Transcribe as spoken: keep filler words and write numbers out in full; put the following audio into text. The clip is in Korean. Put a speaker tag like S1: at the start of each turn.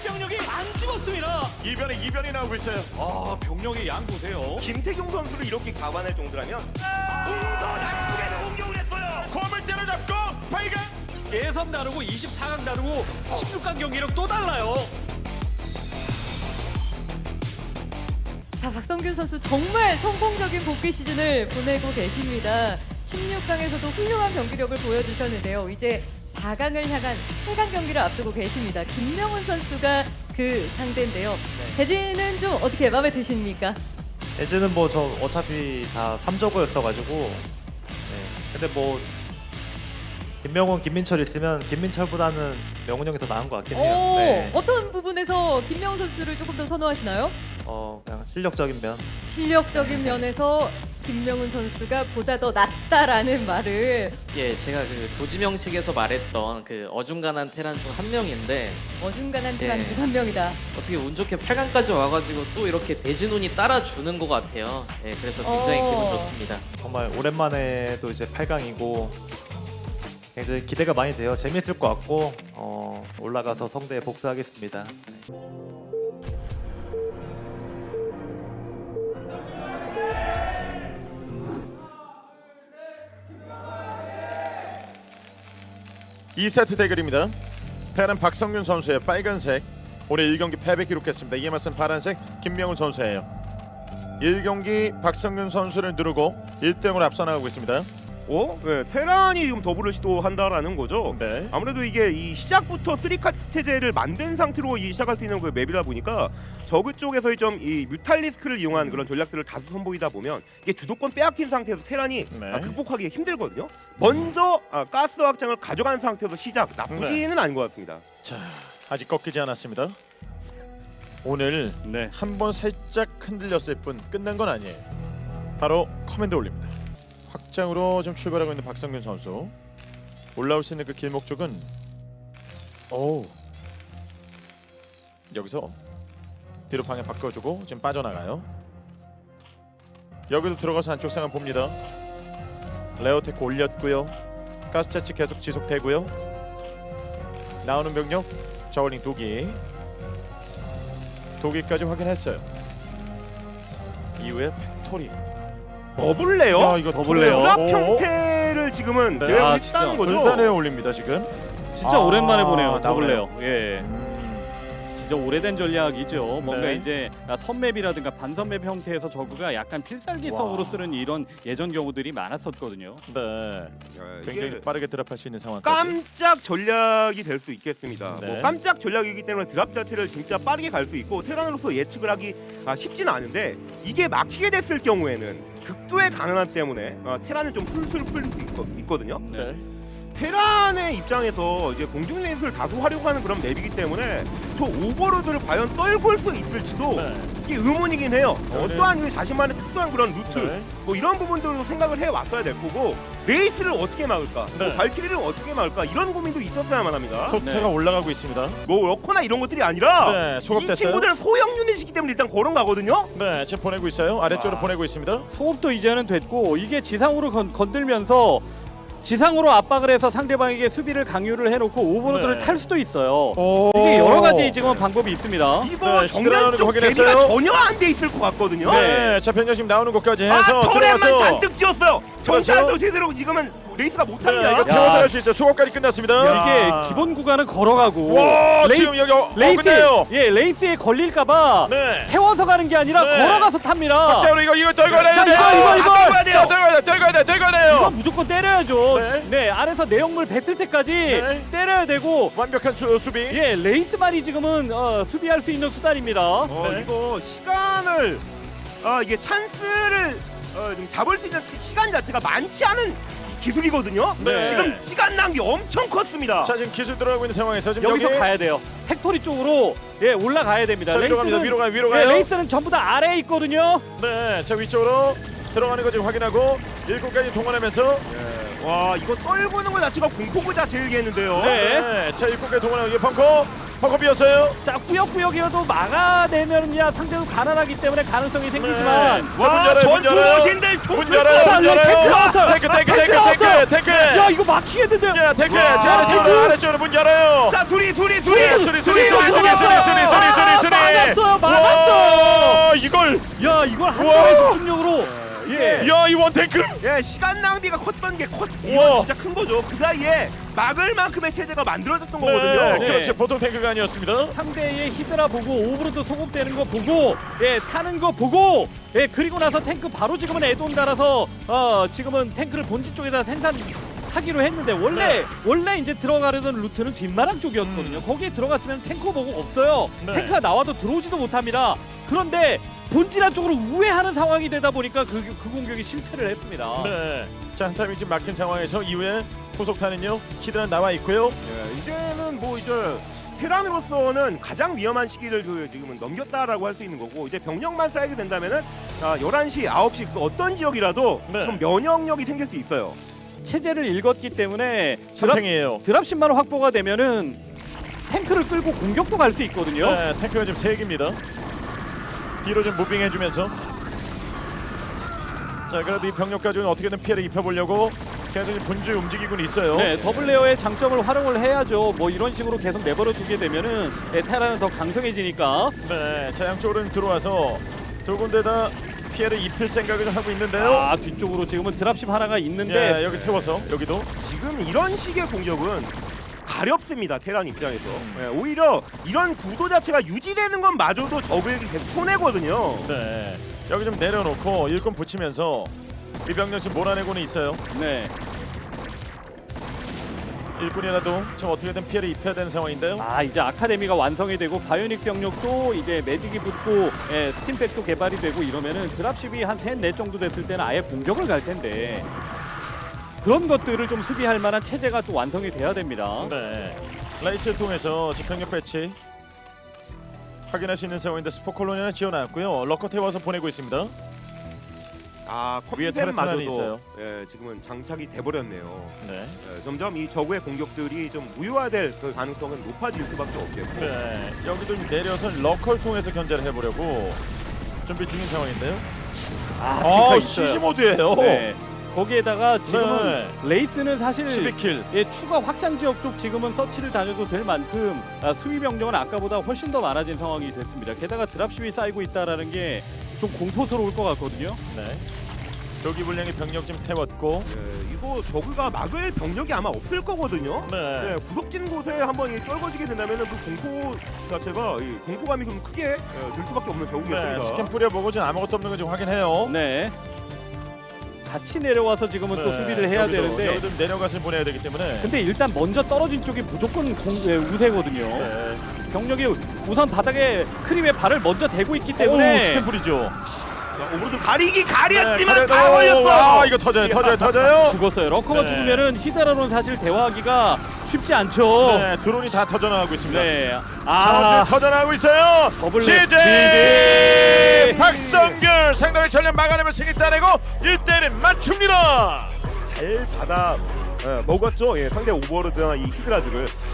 S1: 병력이 안 죽었습니다.
S2: 이변에 이변이 나오고 있어요.
S1: 아, 병력의 양 보세요.
S3: 김태경 선수를 이렇게 감안할 정도라면 동선 안쪽에서 공격을 했어요.
S2: 고물대를 잡고 발견.
S1: 예선 다르고 이십사 강 다르고 십육 강 경기력 또 달라요.
S4: 자, 박성균 선수 정말 성공적인 복귀 시즌을 보내고 계십니다. 십육 강에서도 훌륭한 경기력을 보여주셨는데요. 이제 사 강을 향한 팔 강 경기를 앞두고 계십니다. 김명훈 선수가 그 상대인데요.
S5: 네.
S4: 대진은 좀 어떻게 마음에 드십니까?
S5: 에즈는 뭐 저 어차피 다 삼저고였어가지고 네. 근데 뭐 김명훈, 김민철 있으면 김민철보다는 명훈 형이 더 나은 것 같긴 해요.
S4: 오,
S5: 네.
S4: 어떤 부분에서 김명훈 선수를 조금 더 선호하시나요?
S5: 어 그냥 실력적인 면.
S4: 실력적인 면에서 김명훈 선수가 보다 더 낫다라는 말을
S6: 예, 제가 그 도지명식에서 말했던 그 어중간한 테란 중 한 명인데
S4: 어중간한 테란
S6: 네.
S4: 중 한 명이다.
S6: 어떻게 운 좋게 팔 강까지 와가지고 또 이렇게 대진운이 따라주는 것 같아요. 예, 그래서 굉장히
S4: 어.
S6: 기분 좋습니다.
S5: 정말 오랜만에 또 이제 팔 강이고 굉장히 기대가 많이 돼요. 재밌을 것 같고 어, 올라가서 성대에 복수하겠습니다. 네.
S2: 이 세트 대결입니다. 테란 박성균 선수의 빨간색. 올해 일 경기 패배 기록했습니다. 이에 맞선 파란색 김명훈 선수예요. 일 경기 박성균 선수를 누르고 일 대 영으로 앞서 나가고 있습니다.
S3: 어? 네, 테란이 지금 더블을 시도한다라는 거죠.
S2: 네.
S3: 아무래도 이게 이 시작부터 쓰리카트 체제를 만든 상태로 이 시작할 수 있는 그 맵이다 보니까 저그 쪽에서의 좀 이 뮤탈리스크를 이용한 그런 전략들을 다수 선보이다 보면 이게 주도권 빼앗긴 상태에서 테란이
S2: 네.
S3: 아, 극복하기 힘들거든요. 먼저 아, 가스 확장을 가져간 상태에서 시작 나쁘지는 않은 것 같습니다.
S2: 자, 아직 꺾이지 않았습니다. 오늘
S1: 네.
S2: 한 번 살짝 흔들렸을 뿐 끝난 건 아니에요. 바로 커맨드 올립니다. 확장으로 좀 출발하고 있는 박성균 선수. 올라올 수 있는 그 길목 쪽은 오 여기서 뒤로 방향 바꿔주고 지금 빠져나가요. 여기도 들어가서 안쪽 상황 봅니다. 레어테크 올렸고요. 가스 채취 계속 지속되고요. 나오는 병력 저울링 도기 도기까지 확인했어요. 이후에 팩토리.
S3: 더블레어?
S2: 야, 이거
S1: 더블레어.
S3: 드랍
S2: 오.
S3: 형태를 지금은
S2: 네.
S3: 계획을
S1: 아,
S3: 했다는
S1: 진짜.
S3: 거죠.
S2: 돌단에 올립니다 지금.
S1: 진짜
S2: 아,
S1: 오랜만에 보네요.
S2: 나오네요.
S1: 더블레어. 예.
S2: 음,
S1: 진짜 오래된 전략이죠. 뭔가
S2: 네.
S1: 이제 선맵이라든가 반선맵 형태에서 저그가 약간 필살기성으로
S2: 와.
S1: 쓰는 이런 예전 경우들이 많았었거든요.
S2: 네.
S3: 야,
S2: 굉장히
S3: 이게
S2: 빠르게 드랍할 수 있는 상황까지.
S3: 깜짝 전략이 될 수 있겠습니다.
S2: 네.
S3: 뭐 깜짝 전략이기 때문에 드랍 자체를 진짜 빠르게 갈 수 있고 테란으로서 예측을 하기 아, 쉽지는 않은데 이게 막히게 됐을 경우에는 극도의 가능함 때문에 아, 테란은 좀 풀술 풀릴 수 있거, 있거든요.
S2: 네.
S3: 테란의 입장에서 이제 공중 레이스를 다소 활용하는 그런 맵이기 때문에 저 오버로드를 과연 떨굴 수 있을지도
S2: 네.
S3: 이게 의문이긴 해요.
S2: 네.
S3: 어떠한 그 자신만의 특수한 그런 루트
S2: 네.
S3: 뭐 이런 부분들도 생각을 해왔어야 될 거고 레이스를 어떻게 막을까,
S2: 네.
S3: 뭐 발키리를 어떻게 막을까 이런 고민도 있었어야만 합니다.
S2: 소태가
S1: 네.
S2: 올라가고 있습니다.
S3: 뭐 러커나 이런 것들이 아니라
S2: 네,
S3: 이
S2: 소급됐어요.
S3: 친구들은 소형 유닛이기 때문에 일단 걸어 가거든요.
S2: 네, 지금 보내고 있어요. 아래쪽으로
S3: 와.
S2: 보내고 있습니다.
S1: 소급도 이제는 됐고 이게 지상으로 건, 건들면서 지상으로 압박을 해서 상대방에게 수비를 강요를 해놓고 오버로드를
S2: 네.
S1: 탈 수도 있어요.
S2: 오.
S1: 이게 여러 가지 지금은 방법이 있습니다.
S3: 이거
S2: 네,
S3: 정면
S2: 들어가는
S3: 쪽
S2: 거
S3: 대비가
S2: 확인했어요.
S3: 전혀 안 돼 있을 것 같거든요.
S2: 네, 자 변경 지금 나오는 곳까지
S3: 아
S2: 해서
S3: 터렛만
S2: 들어가서
S3: 잔뜩 지었어요.
S2: 그렇죠.
S3: 정찰도 제대로 지금은 레이스가
S2: 네,
S3: 못합니다.
S2: 이거 태워서 할 수 있어요. 수업까지 끝났습니다.
S1: 이게
S2: 야.
S1: 기본 구간은 걸어가고
S2: 와,
S1: 레이스,
S2: 지금 여기 어,
S1: 레이스
S2: 어긋네요.
S1: 예 레이스에 걸릴까봐
S2: 네.
S1: 태워서 가는 게 아니라
S2: 네.
S1: 걸어가서 탑니다.
S2: 자, 우리 이거 이거 떨궈야
S1: 자,
S2: 돼요.
S1: 이거, 이거, 이거.
S3: 떨궈야 돼요.
S2: 자, 떨궈야 돼. 떨궈야 돼. 떨궈야 돼요.
S1: 이거 무조건 때려야죠.
S2: 네.
S1: 네, 아래서 내용물 뱉을 때까지
S2: 네.
S1: 때려야 되고
S2: 완벽한 수, 수비.
S1: 예 레이스만이 지금은 어, 수비할 수 있는 수단입니다.
S3: 어,
S2: 네.
S3: 이거 시간을 아 이게 찬스를 어, 좀 잡을 수 있는 시간 자체가 많지 않은 기술이거든요.
S2: 네.
S3: 지금 시간 낭비 엄청 컸습니다.
S2: 자, 지금 기술 들어가고 있는 상황에서 지금
S1: 여기서
S2: 여기
S1: 가야 돼요. 팩토리 쪽으로 예 올라가야 됩니다.
S2: 자, 위로 갑니다. 위로 가요. 위로
S1: 예,
S2: 가요.
S1: 레이스는 전부 다 아래에 있거든요.
S2: 네, 자 위쪽으로 들어가는 거 지금 확인하고 일곱까지 동원하면서
S3: 와 이거 떨구는 것 자체가 공포보다 제일 겠는데요.
S1: 네.
S2: 네, 자 일곱까지 동원하고 이 벙커 허겁이었어요.
S1: 자 꾸역꾸역이어도 막아내면야 상대도 가난하기 때문에 가능성이 생기지만
S2: 자, 문
S3: 와
S2: 열어요, 문
S3: 전투
S2: 열어요.
S3: 모신들
S2: 문
S3: 총
S2: 열어요.
S1: 자,
S2: 문
S1: 여기
S2: 열어요.
S1: 탱크 나왔어요.
S2: 탱크 탱크
S1: 탱크
S2: 탱크
S1: 나왔어요.
S2: 탱크 탱크.
S1: 야 이거 막히겠는데요.
S2: 야 탱크.
S3: 와,
S2: 자
S1: 탱크.
S2: 아래쪽으로 아래쪽으로 문 열어요.
S3: 자 수리 수리 수리
S2: 수리 수리 수리 수리 수리 수리 수리
S1: 아,
S2: 수리 수리.
S1: 막았어요, 막았어요.
S2: 와, 이걸.
S1: 야 이걸 한
S2: 우와.
S1: 번의 집중력으로 예.
S2: 야, 이 원 탱크.
S3: 예 시간 낭비가 컸던 게 컸.
S2: 우와.
S3: 이건 진짜 큰 거죠. 그 사이에 막을 만큼의 체제가 만들어졌던 거거든요.
S2: 네, 그렇죠. 보통 탱크가 아니었습니다.
S1: 상대의 히드라 보고 오브로드 소급되는 거 보고 예 타는 거 보고 예 그리고 나서 탱크 바로 지금은 애돈 달아서 어 지금은 탱크를 본진 쪽에다 생산하기로 했는데 원래
S2: 네.
S1: 원래 이제 들어가려던 루트는 뒷마당 쪽이었거든요. 거기에 들어갔으면 탱커 보고 없어요.
S2: 네.
S1: 탱크가 나와도 들어오지도 못합니다. 그런데 본진한 쪽으로 우회하는 상황이 되다 보니까 그, 그 공격이 실패를 했습니다.
S2: 네. 자, 한 타임이 지금 막힌 상황에서 이후에 후속타는요. 히드라 나와 있고요.
S3: 예, 이제는 뭐 이제 테란으로서는 가장 위험한 시기를 그 지금은 넘겼다라고 할 수 있는 거고 이제 병력만 쌓이게 된다면은 자, 열한 시, 아홉 시 그 어떤 지역이라도
S2: 네.
S3: 좀 면역력이 생길 수 있어요.
S1: 체제를 읽었기 때문에 드랍,
S2: 삼탱이에요.
S1: 드랍십만 확보가 되면은 탱크를 끌고 공격도 갈 수 있거든요.
S2: 네, 탱크가 지금 세 개입니다. 뒤로 좀 무빙해주면서. 자, 그래도 이 병력까지 어떻게든 피해를 입혀보려고 계속 지금 분주히 움직이고 있어요.
S1: 네, 더블 레어의 장점을 활용을 해야죠. 뭐 이런 식으로 계속 내버려 두게 되면은 네, 테라는 더 강성해지니까.
S2: 네, 자 양쪽으로 들어와서 두 군데 다 피해를 입힐 생각을 좀 하고 있는데요.
S1: 아 뒤쪽으로 지금은 드랍십 하나가 있는데
S2: 예, 여기 태워서 여기도.
S3: 지금 이런 식의 공격은 가렵습니다. 테란 입장에서 예, 오히려 이런 구도 자체가 유지되는 건 마저도 적에게 계속 손해거든요.
S2: 네, 여기 좀 내려놓고 일꾼 붙이면서 이 병력 지금 몰아내고는 있어요.
S1: 네.
S2: 일꾼이라도 좀 어떻게든 피해를 입혀야 되는 상황인데요.
S1: 아 이제 아카데미가 완성이 되고 바이오닉 병력도 이제 매딕이 붙고 예, 스팀팩도 개발이 되고 이러면은 드랍십이 한 셋, 넷 정도 됐을 때는 아예 공격을 갈 텐데 그런 것들을 좀 수비할 만한 체제가 또 완성이 돼야 됩니다.
S2: 네, 라이스를 통해서 집행력 배치 확인할 수 있는 상황인데 스포콜론이 하나 지어놨고요. 러커 태워서 보내고 있습니다.
S3: 아
S2: 위에 터렛 하나 있어요.
S3: 컴퓨터마저도 예, 지금은 장착이 돼버렸네요.
S2: 네,
S3: 예, 점점 이 적의 공격들이 좀 무효화될 그 가능성은 높아질 수밖에 없겠고.
S2: 네, 여기도 좀 내려서 러커를 통해서 견제를 해보려고 준비 중인 상황인데요.
S1: 아,
S2: 아,
S1: 아
S2: 시즈 모드예요.
S1: 네. 거기에다가 지금은
S2: 네.
S1: 레이스는 사실
S2: 십이 킬.
S1: 예, 추가 확장 지역 쪽 지금은 서치를 다녀도 될 만큼 아, 수비 병력은 아까보다 훨씬 더 많아진 상황이 됐습니다. 게다가 드랍십이 쌓이고 있다라는 게 좀 공포스러울 것 같거든요.
S2: 네, 조기 분량의 병력 좀 태웠고.
S3: 예, 이거 저그가 막을 병력이 아마 없을 거거든요.
S2: 네,
S3: 네, 구석진 곳에 한번 이 떨궈지게 된다면 그 공포 자체가 이 공포감이 좀 크게 예, 들 수밖에 없는
S2: 네,
S3: 저우겠습니다.
S2: 스캔 뿌려보고 지금 아무것도 없는 거 지금 확인해요.
S1: 네. 같이 내려와서 지금은 또
S2: 네,
S1: 수비를 해야
S2: 여기도,
S1: 되는데
S2: 여기도 내려가서 보내야 되기 때문에.
S1: 근데 일단 먼저 떨어진 쪽이 무조건 공, 예, 우세거든요.
S2: 네.
S1: 병력이 우선 바닥에 크림에 발을 먼저 대고 있기
S2: 오,
S1: 때문에
S2: 스캔 뿌리죠.
S3: 자, 오버로드 가리기 가렸지만
S2: 네,
S3: 다 걸렸어.
S2: 아, 이거 터져요, 터져요, 터져요.
S1: 죽었어요. 러커가
S2: 네.
S1: 죽으면은 히드라로는 사실 대화하기가 쉽지 않죠.
S2: 네, 드론이 다 터져나가고 있습니다.
S1: 네.
S2: 아,
S1: 아,
S2: 터져나가고 있어요.
S1: 더블
S2: 지제
S1: 지제
S2: 박성균 상당히 전력 막아내면 승리 따내고 일 대일은 맞춥니다.
S3: 잘 받아 예, 먹었죠. 예, 상대 오버로드나 이 히드라들을.